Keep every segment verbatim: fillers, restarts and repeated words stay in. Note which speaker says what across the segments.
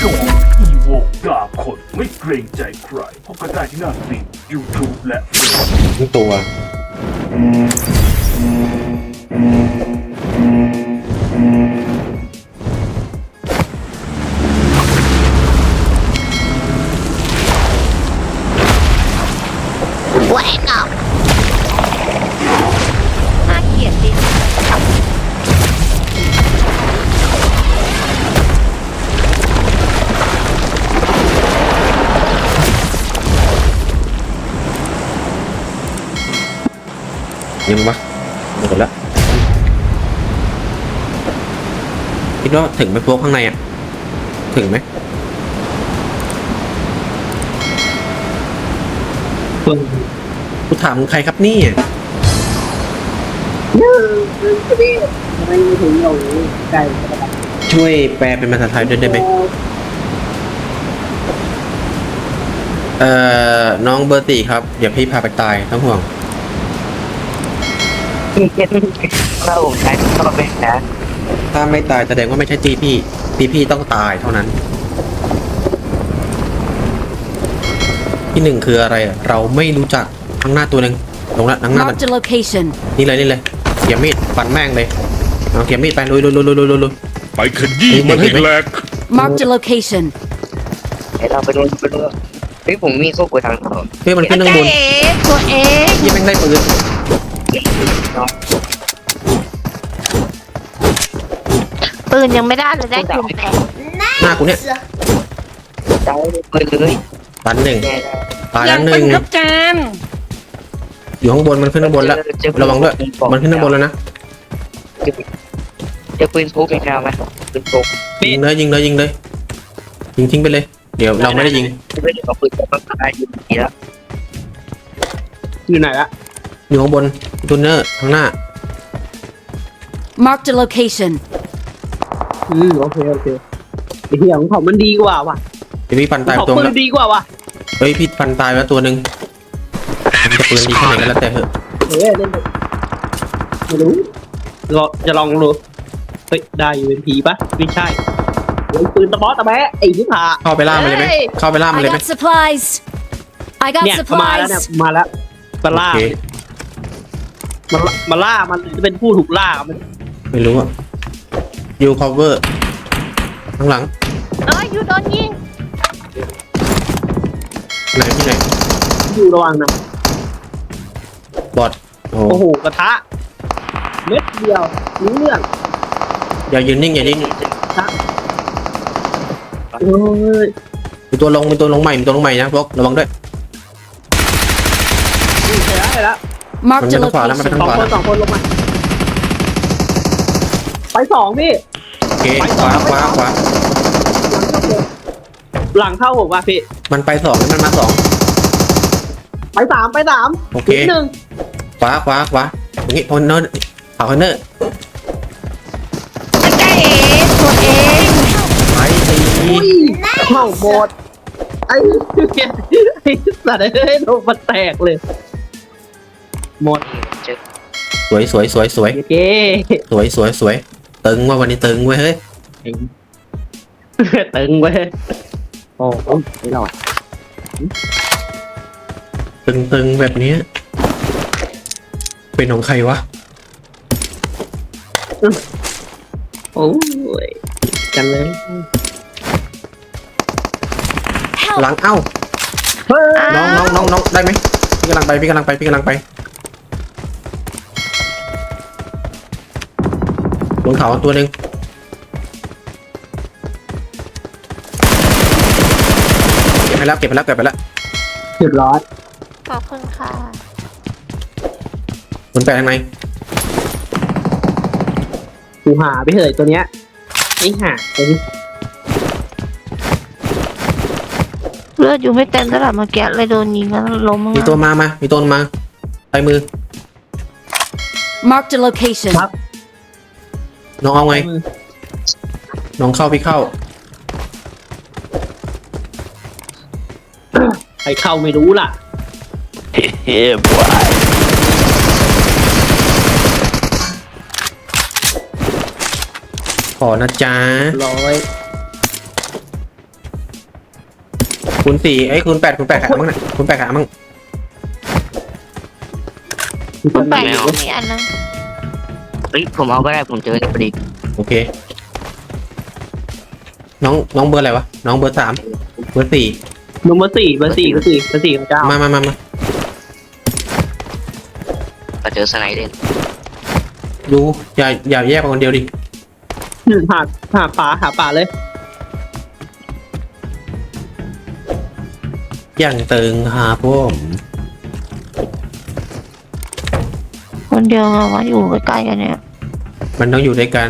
Speaker 1: โกอีโวกาคนไม่เกรงใจใครพบกันได้ที่หน้าสตรีม YouTube และ
Speaker 2: ทั้งตัว
Speaker 3: แหวกอ่ะน่าเกลียดดิ
Speaker 2: ยังวะหมดแล้วคิดว่าถึงไหมพวกข้างในอ่ะถึงไหมกูถามมึงใครครับนี่ช่วยแปลเป็นภาษาไทยด้วยได้ไหมเอ่อน้องเบอร์ตีครับเดี๋ยวพี่พาไปตายต้องห่วง
Speaker 4: ถ้าผมใช้ก็เป็นนะ
Speaker 2: ถ้าไม่ตายแสดงว่าไม่ใช่ตีพี่ตีพี่ต้องตายเท่านั้นที่หนึ่งคืออะไรอ่ะเราไม่รู้จักข้างหน้าตัวหนึ่งลงละข้างหน้ามัน
Speaker 3: Marked a location
Speaker 2: นี่เลยนี่เลยเขียมมีดฟันแม่งเลยเอาเขียมมีดไปลุยลุยลุยลุยลุยลุย
Speaker 1: ไปขยี้มันให้แหลก
Speaker 3: Marked a location
Speaker 4: เดี๋ยวเราไปดูไปดูเฮ้ยผมมีโซ่กดทางเขา
Speaker 2: เฮ้ยมันขึ้นข้างบน
Speaker 3: เอ๋ตัวเอง
Speaker 2: ยี่แม่งได้ปืน
Speaker 3: ปืนยังไม่ได้เลยได้กลุ่มแตก
Speaker 2: หน้ากูเนี่ย
Speaker 4: เจ้าไปเลย
Speaker 2: ตันหนึ่ง
Speaker 4: แน่
Speaker 2: ตายแล้วหนึ่ง
Speaker 3: ครับจาน
Speaker 2: อยู่ข้างบนมันขึ้นข้างบนแล้วระวังด้วยมันขึ้นข้างบนแล้วนะ
Speaker 4: จะปืนพกยังไงไหมปืนพก
Speaker 2: ยิงเลยยิงเลยยิงเลยยิงทิ้งไปเลยเดี๋ยวเราไม่ได้ยิง
Speaker 4: ไม่ได้เอาปืนพกมาตายอยู่ดีแล้ว
Speaker 5: อยู่ไหนละ
Speaker 2: อยู่ข้างบนทูนเนอร์ข้างหน้า
Speaker 3: Marked a location
Speaker 5: อืมโอเคโอเคไอ้เหี้ยของเขามันดีกว่าว่ะ
Speaker 2: เดี๋ยวพี่ฟันตาย
Speaker 5: เขา
Speaker 2: ตัว
Speaker 5: ปื
Speaker 2: แล้
Speaker 5: น
Speaker 2: ว
Speaker 5: ดีกว่าว่ะ
Speaker 2: เฮ้ยพี่ฟันตายแล้วตัวหนึ่งมันจะปืนดีแค่ไหนก็แล้วแต่เถอะ
Speaker 5: เฮ้ยเล่นไปไม่รู้รอจะลองดูเฮ้ยได้อยู่เป็นผีปะไม่ใช่เฮ้ยปืนตะบอสตะแบะไอ้ที่ผ่า
Speaker 2: เข้าไปล่ามันเลยไหมเข้าไปล่ามัน
Speaker 3: I
Speaker 2: เลยไหม
Speaker 3: got supplies I got
Speaker 5: เนี่ยมาแล้วเนี่ย
Speaker 3: supplies
Speaker 5: มาแล้วมาล่า
Speaker 2: โอเค
Speaker 5: มาล่ามาล่ามันจะเป็นผู้ถูกล่ามัน
Speaker 2: ไม่รู้อ่ะยูคอเวอร์ข้างหลัง
Speaker 3: เอ้ยอยู่โดนยิง
Speaker 2: ไหนที่ไหน
Speaker 5: อยู่ระวังนะ
Speaker 2: บอดโอ้
Speaker 5: โอ้โหกระทะเม็ดเดียวรู้เรื่อง
Speaker 2: อย่ายืนนิ่งอย่านิ่ง
Speaker 5: โอ้ย
Speaker 2: มีตัวลงมีตัวลงใหม่มีตัวลงใหม่นะพวกระวังด้วย
Speaker 5: นี่เสร็จแล้วเสร็จแล้ว
Speaker 3: Marked a
Speaker 2: มันไม่ต้องขวาแล้วมันไม่
Speaker 3: location
Speaker 2: ต้
Speaker 5: สองคนสองคนลงมาไปสองพี่
Speaker 2: โอเคขวาขวาขวา
Speaker 5: หลังเข้าผมว่ะพี่
Speaker 2: มันไปสองแล้วมันมาสอง
Speaker 5: ไปสามไปสาม
Speaker 2: โอเค
Speaker 5: หนึ่ง
Speaker 2: ขวาขวาขวาตรงนี้พอนเนอร์เอาคอนเนอร์
Speaker 3: ไอ้เอ๋ตัวเอง
Speaker 2: ไปตี
Speaker 5: อุ้ยเข้าหมดไอ้เหี้ยไอ้สัตว์เอ้ยโดนมันแตกเลยหมด
Speaker 4: เจอ
Speaker 2: สวยสวยสวยสวย
Speaker 5: โอเค
Speaker 2: สวยสวยสวยตึงว่าวันนี้ตึงเว้ยเฮ้ย
Speaker 5: ตึงเว้ยโอ้โหไม่รอด
Speaker 2: ตึงตึงแบบนี้เป็นของใครวะ
Speaker 5: โอ้ยกันเลย
Speaker 2: หลังเอ้า
Speaker 5: เฮ้ย
Speaker 2: น้องน้องน้องน้องได้ไหมพี่กำลังไปพี่กำลังไปพี่กำลังไปบนเขาตัวหนึ่งเก็บไปแล้วเก็บไปแล้วเก็บไปแล้ว
Speaker 5: เรียบร้อย
Speaker 3: ขอบคุณค่ะ
Speaker 2: บนแปลทางไหน
Speaker 5: กูหาไปเถอะตัวเนี้ยไอ้ห่าตัวนี้
Speaker 6: เลือดอยู่ไม่เต็มตลาดเมื่อกี้เลยโดนยิงแล้วล้ม
Speaker 2: มีตัวมามามีตัวมาใส่มือ
Speaker 3: Marked a location
Speaker 2: น้องเอาไงน้องเข้าพี่เข้า
Speaker 5: ใครเข้าไม่รู้ล่ะ
Speaker 4: เฮ้ยบอย
Speaker 2: ขอนะจ๊ะ
Speaker 5: ร้อย
Speaker 2: คูณสี่ไอ้ยคูณแปดคูณแปดขายมั้งน่ะคูณแปดขายมั้ง
Speaker 6: คุณแปดอยู่มีอันนึง
Speaker 4: เฮ้ยผมเอาก็ได้ผมเจอนี่พอดี
Speaker 2: โอเค น้องน้องเบอร์อะไรวะน้องเบอร์สามเบอร์สี่
Speaker 5: นุ่มเบอร์สี่เบอร์สี่เบอร์สี่เบอร์สี่ของเจ้า
Speaker 2: มามามามา
Speaker 4: ก็เจอสไนเดอร์
Speaker 2: ดูอย่าอย่าแยกไปคนเดียวดิ
Speaker 5: หาหาป่าหาป่าเลย
Speaker 2: อย่างตึงหาผม
Speaker 6: คนเดียวอะมาอยู่ใกล้ๆกันเนี่ย
Speaker 2: มันต้องอยู่ด้วยกัน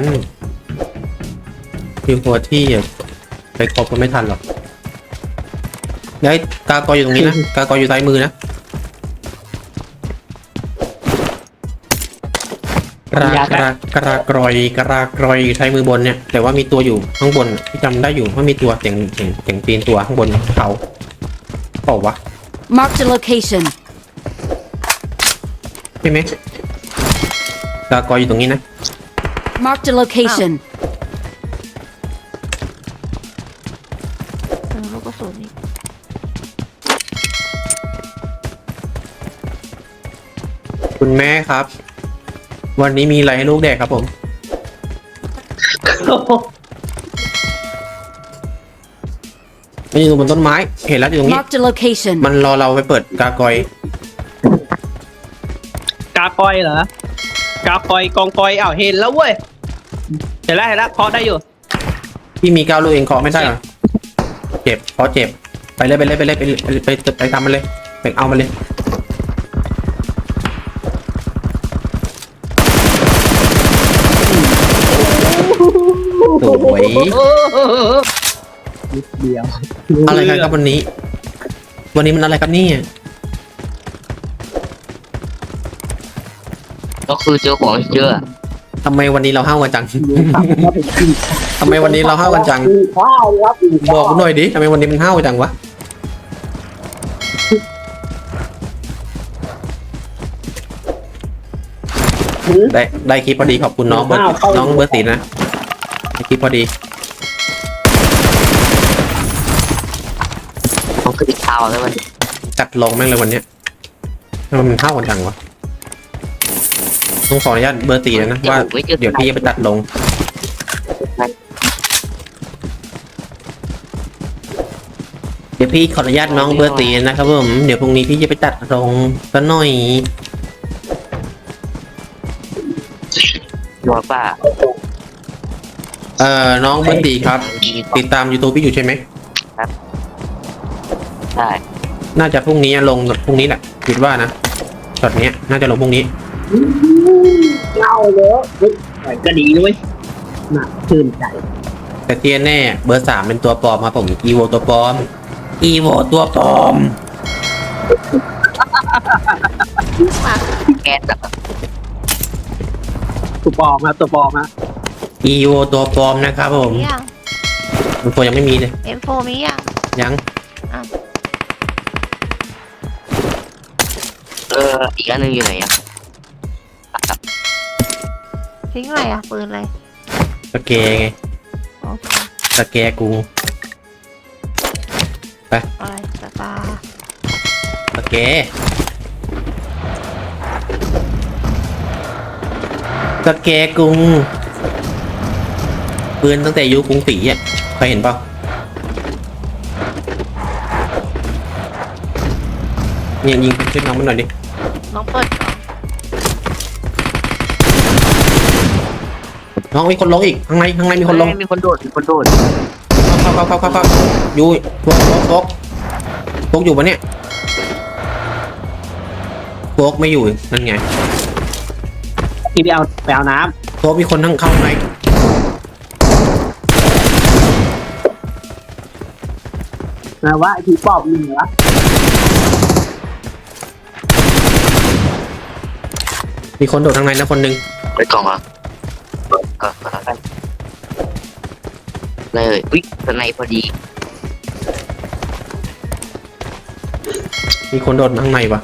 Speaker 2: อยู่หัวที่อะไปครบก็ไม่ทันหรอกแล้วไอ้กากออยู่ตรงนี้นะกากออยู่ซ้ายมือนะกระกระกระกรอยกระกรอยอยู่ซ้ายมือบนเนี่ยแต่ว่ามีตัวอยู่ข้างบนที่จำได้อยู่ว่ามีตัวเสียงเสียงเสียงตีนตัวข้างบนเขาเปล่าวะ
Speaker 3: Marked a location.
Speaker 2: ใช่ไหมกากออยู่ตรงนี้นะ
Speaker 3: Marked a location.
Speaker 6: เออลูกกระสุนนี่
Speaker 2: คุณแม่ครับ วันนี้มีอะไรให้ลูกแดกครับผมมันอยู่บนต้นไม้เห็นแล้วอยู่ตรงนี้
Speaker 3: Marked a location.
Speaker 2: มันรอเราไปเปิดกากอย
Speaker 5: กากอยเหรอกากอยกองกอยอ้าวเห็นแล้วเว้ยเห็นแล้วเห็นแล้วเคาะได้อยู่
Speaker 2: พี่มีก้าวลูกเองเคาะไม่ได้เหรอเจ็บเพราะเจ็บไปเลยไปเลยไปเลยไปเลยไปไปไปไปทำมันเลยไปเอามันเลยสวย
Speaker 5: นิดเดียว
Speaker 2: อะไรกันครับวันนี้ วันนี้มันอะไรครับเนี่ย
Speaker 4: ก็คือเจอของเยอะ
Speaker 2: ทำไมวันนี้เราห้าวกันจัง ทำไมวันนี้เราห้าวกันจัง
Speaker 5: ข้าวครับ
Speaker 2: บอกกูหน่อยดิทำไมวันนี้มันห้าวจังวะได้ได้คลิปพอดีขอบคุณน้องเบอร์น้องเบอร์สีนะได้คลิปพอดี
Speaker 4: เขาคือติดเท้าแล้วมัน
Speaker 2: จัดลงแม่งเลยวันเนี้ยทำไมมันห้าวกันจังวะต้องขออนุญาตเบอร์สีนะว่าเดี๋ยวพี่จะไปตัดลงเดี๋ยวพี่ขออนุญาตน้องเบอร์สีนะครับผมเดี๋ยวพรุ่งนี้พี่จะไปตัดลงสักหน่อย
Speaker 4: รัวป่า
Speaker 2: เอ่อน้องเบอร์สีครับ ติดตาม YouTube พี่อยู่ใช่ไหม
Speaker 4: ใช่
Speaker 2: น่าจะพรุ่งนี้ลงพรุ่งนี้แหละคิดว่านะช็อตเนี้ยน่าจะลงพรุ่งนี้
Speaker 5: เล่าเยอะเฮ้ยก็ดีด้วยน่าชื่นใจ
Speaker 2: แต่ที่แน่เบอร์สามเป็นตัวปลอมครับผมอีโวตัวปลอมอีโวตัวปลอม
Speaker 4: แก๊สแบบ
Speaker 5: ตัวปลอมครับตัวปลอมฮะ
Speaker 2: อีโวตัวปลอมนะครับผม
Speaker 6: มียัง
Speaker 2: มันตัวยังไม่มีเลย
Speaker 6: เอ็มโฟมียัง
Speaker 2: ยัง
Speaker 4: เอออีกอันหนึงอยู่ไหนอ่ะ
Speaker 6: ทิ้งอะไรอ่ะปืนอะไร
Speaker 2: สแกไง
Speaker 6: โอเค
Speaker 2: สแกกู
Speaker 6: อะไรสตาร์
Speaker 2: สแกสแกกุงปืนตั้งแต่ยุคกรุงศรีอ่ะเคยเห็นเปล่าเนี่ยยิงขึ้นน้องมันหน่อยดิ
Speaker 6: น้องเปิดก่อน
Speaker 2: น้องมีคนลงอีกข้างในข้างในมีคนลง
Speaker 4: มีคนโดดมีคนโดด
Speaker 2: เข้าเข้าเข้าเข้าเข้าอยู่โฟกโฟกโฟกโฟกอยู่ปะเนี่ยโฟกไม่อยู่นั่นไง
Speaker 5: ที่ไปเอาไปเอาน้
Speaker 2: โฟกมีคนทั้งเข้าไหม
Speaker 5: ำนะว่าไอ้ที่ปอบมีเหรอ
Speaker 2: มีคนโดดทางในนะคนหนึง
Speaker 4: ไปกล่องเหรอก็ก็แล้วกันเลยอุ๊ยสไนพอดี
Speaker 2: มีคนโดดข้างในวะ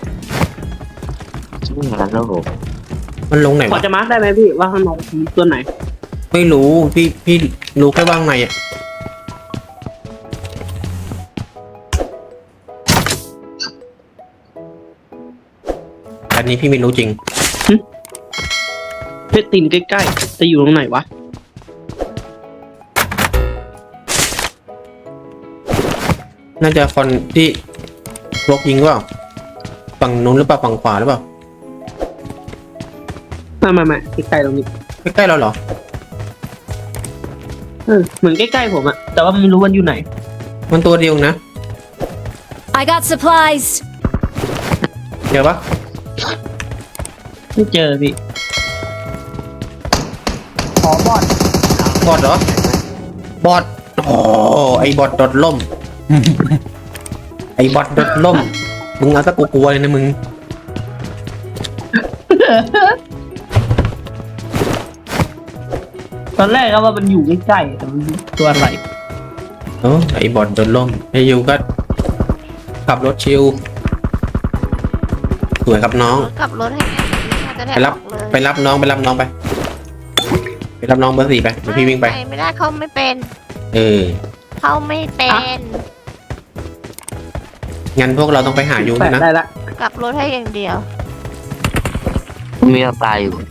Speaker 4: ชื่อมันแล้วโห
Speaker 2: มันลงไหน
Speaker 5: พอ
Speaker 2: วะ
Speaker 5: จะมาร์คได้ไหมพี่ว่าข้างนอกมีตัวไหน
Speaker 2: ไม่รู้พี่พี่รู้แค่ว่าข้างในอ่ะอันนี้พี่ไม่รู้จริง
Speaker 5: เพชรตีนใกล้ๆจะอยู่ตรงไหนวะ
Speaker 2: น่าจะคนที่ลกยิงหรือเปล่าฝั่งนู้นหรือเปล่าฝั่งขวาหรือเปล่า
Speaker 5: มามามาใกล้ๆตรงนี้
Speaker 2: ใกล้ๆเราเหรอ
Speaker 5: เออเหมือนใกล้ๆผมอะแต่ว่าไม่รู้มันอยู่ไหน
Speaker 2: มันตัวเดียวนะ
Speaker 3: I got supplies.
Speaker 2: เจอปะ
Speaker 5: ไม่เจอพี่ขอบอด
Speaker 2: บอดเหรอ บอดโอ้ไอบอดโดดล่ม ไอบอดโดดล่ม มึงเอาตะกูกลัวเลยนะมึง
Speaker 5: ตอนแรกก็ว่ามันอยู่ใกล้ๆแต่มันตัวอะไร
Speaker 2: เออไอบอดโดนล่มไอยูก็ขับรถชิลสวยครับน้อง
Speaker 6: กลับรถให้แม่น่าจะได้
Speaker 2: ไปรับ
Speaker 6: ออกเลย
Speaker 2: ไปรับน้องไปรับน้องไป ไปรับน้องเบอร์สี่ไปเดี๋ยวพี่วิ่งไป
Speaker 6: ไม่ได้เขาไม่เป็น
Speaker 2: เออ
Speaker 6: เขาไม่เป็น
Speaker 2: งั้นพวกเราต้องไปหายู
Speaker 5: แปะ
Speaker 2: นะ
Speaker 5: ได้ละ
Speaker 6: กลับรถให้อย่างเดียว
Speaker 4: มีปลาอยู่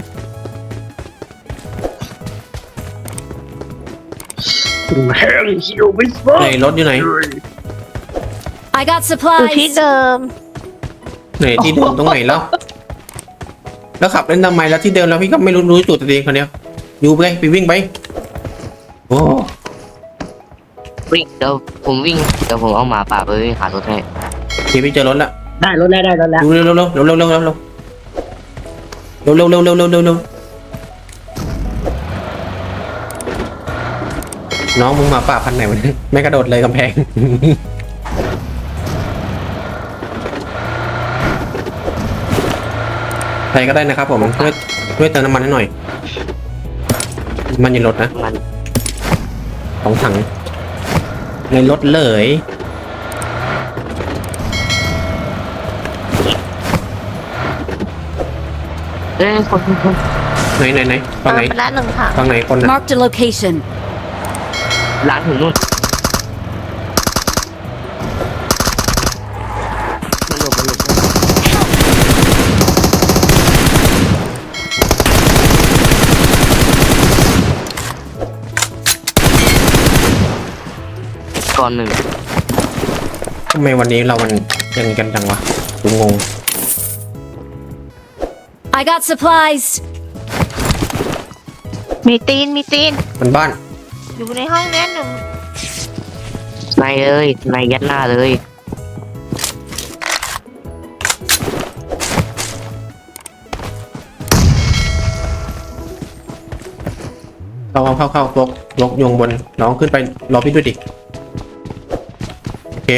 Speaker 5: แห้งเหี่ยวไม่สบา
Speaker 2: ไหน
Speaker 5: ย
Speaker 2: รถอยู่ไหน
Speaker 3: I got
Speaker 6: อยู่ที่
Speaker 3: supplies.
Speaker 6: เดิม
Speaker 2: ไหนที่เดิมตรงไหนแล้ว แล้วขับเล่นทำไมแล้วที่เดิมแล้วพี่ก็ไม่รู้รู้จุดตัวเองคนเดียวยูไปไปวิ่งไป โอ้
Speaker 4: วิ่งเดี๋ยวผมวิ่งเดี๋ยวผมเอาหมาป่าไปวิ่งหารถให้
Speaker 2: เดี๋ยวพี่เจอรถละ
Speaker 5: ได้รถแล้วได้รถแล้ว
Speaker 2: ดูเร็วเร็วเร็วเร็วเร็วเร็วเร็วเร็วเร็วเร็วเร็วเร็วเร็วเร็วน้องมึงหมาป่าพันไหนวะเนี่ยไม่กระโดดเลยกำแพง ใครก็ได้นะครับผมช่วยช่วยเติมน้ำมันให้หน่อย มันอยู่รถนะ
Speaker 4: มัน
Speaker 2: สองถัง ในรถเลย
Speaker 4: เอ้ยคนคน
Speaker 2: ไหนไหนไหนฝั่งไหน
Speaker 6: เติมไปละหนึ่งถัง
Speaker 2: ฝั่งไหนคนนะ
Speaker 3: Marked a location.
Speaker 4: ล้างถึงนู่นมันหลบมันหลบก่อนหนึ่ง
Speaker 2: ทำไมวันนี้เรามันยังกันจังวะกูงง
Speaker 3: I got supplies.
Speaker 6: มีตีนมีตีน
Speaker 2: มันบ้าน
Speaker 6: อยู่ในห้องเนี้ยหนึ่ง
Speaker 4: ในเลยในยัดหน้าเลย
Speaker 2: เข้าเข้าเข้าลกลกโยงบนน้องขึ้นไปรอพี่ด้วยดิโอเค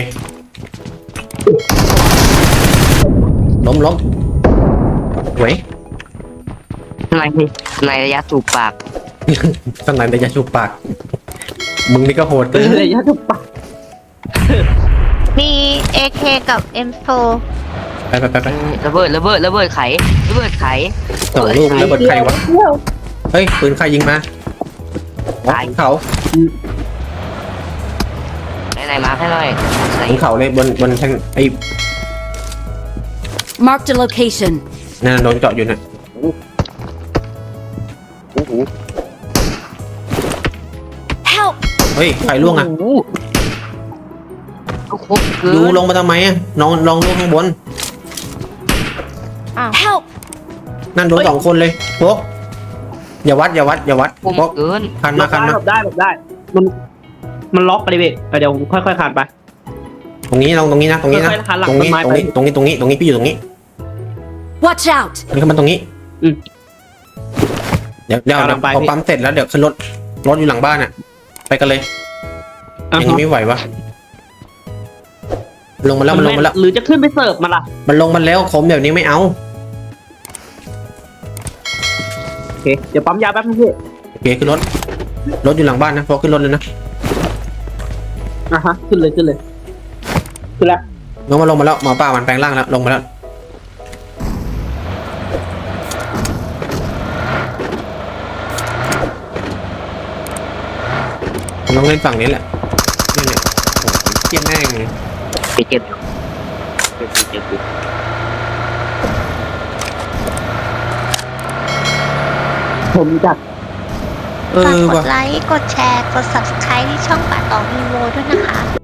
Speaker 2: ล้มล้มเว้ย
Speaker 4: ในในระยะสูบปาก
Speaker 2: ตั้งไหนแต่จะชูปาก มึงนี่ก็โหด
Speaker 5: เอ
Speaker 2: เกิน
Speaker 5: อระยะทุกปะ
Speaker 6: มี เอ เค กับ เอ็ม โฟ
Speaker 2: ไปไปไปไประ
Speaker 4: เบิดระเบิดระเบิดไขระเบิดไข
Speaker 2: สองลูกแล้วเบิดใครวะเฮ้ยปืนใครยิงมาเขา
Speaker 4: ไหนไหนมาให้หน่อยไหน
Speaker 2: บนเขาเลยบนบนทางไอ้
Speaker 3: Marked a location.
Speaker 2: นั่นโดนเจาะอยู่น่ะ
Speaker 4: โอ้โห
Speaker 3: Help!
Speaker 2: เฮ้ยใครล่วงอ่ะ
Speaker 4: โโหเอาครบเกิน
Speaker 2: ยูลงมาทำไมอ่ะน้องลองล่วงข้างบน
Speaker 3: Help!
Speaker 2: นั่นโดนสองคนเลยโป๊กอย่าวัดอย่าวัดอย่าวัด
Speaker 4: คม
Speaker 2: โป๊ก
Speaker 4: เกิน
Speaker 2: คันมาคันมา
Speaker 5: หลบได้หลบได้ มันมันล็อกไปเลยเว้ยเดี๋ยวผมค่อยๆคานไป
Speaker 2: ตรงนี้ลองตรงนี้นะตรงนี้นะ
Speaker 5: ค่อยๆหันหลัง
Speaker 2: ตรงนี้
Speaker 5: ต้นไม้
Speaker 2: ตรงนี้
Speaker 5: ไป
Speaker 2: ตรงนี้ตรงนี้ตรงนี้พี่อยู่ตรงนี้
Speaker 3: Watch out!
Speaker 2: นี่ก็มันตรงนี้
Speaker 5: อืม
Speaker 2: เดี๋ยวเดี๋ยว
Speaker 5: กำลังไป
Speaker 2: พอ
Speaker 5: พี่
Speaker 2: ปั๊มเสร็จแล้วเดี๋ยวขึ้นรถรถอยู่หลังบ้านอ่ะ ไปกันเลย
Speaker 5: อ่ะ
Speaker 2: อย่างนี้ไม่ไหววะลงมาแล้วมันลงมาแล้ว
Speaker 5: หรือจะขึ้นไปเสิร์ฟมาล่ะ
Speaker 2: มันลงมาแล้วคมแบบนี้ไม่เอา
Speaker 5: โอเคเดี๋ยวปั๊มยาแป๊บนึงพี่
Speaker 2: โอเคขึ้นรถรถอยู่หลังบ้านนะพอขึ้นรถเลยนะ
Speaker 5: อ่ะฮะขึ้นเลยขึ้นเลยขึ้นแล้ว
Speaker 2: ลงมาลงมาแล้วหมอป้ามันแปลงร่างแล้วลงมาแล้วลองเล่นฝั่งนี้แหละนี่เนี่ยโอ้โหเกี้ยแม่ง
Speaker 4: ไปเจ็บอยู่เจ็บอยู่เจ็บอยู่
Speaker 5: ผมจัด
Speaker 2: เอ
Speaker 6: ฝาก
Speaker 2: อก
Speaker 6: ด
Speaker 2: ว่ะ
Speaker 6: ไลค์ กดแชร์ กด subscribe ที่ช่องป่าตองมีโวด้วยนะคะ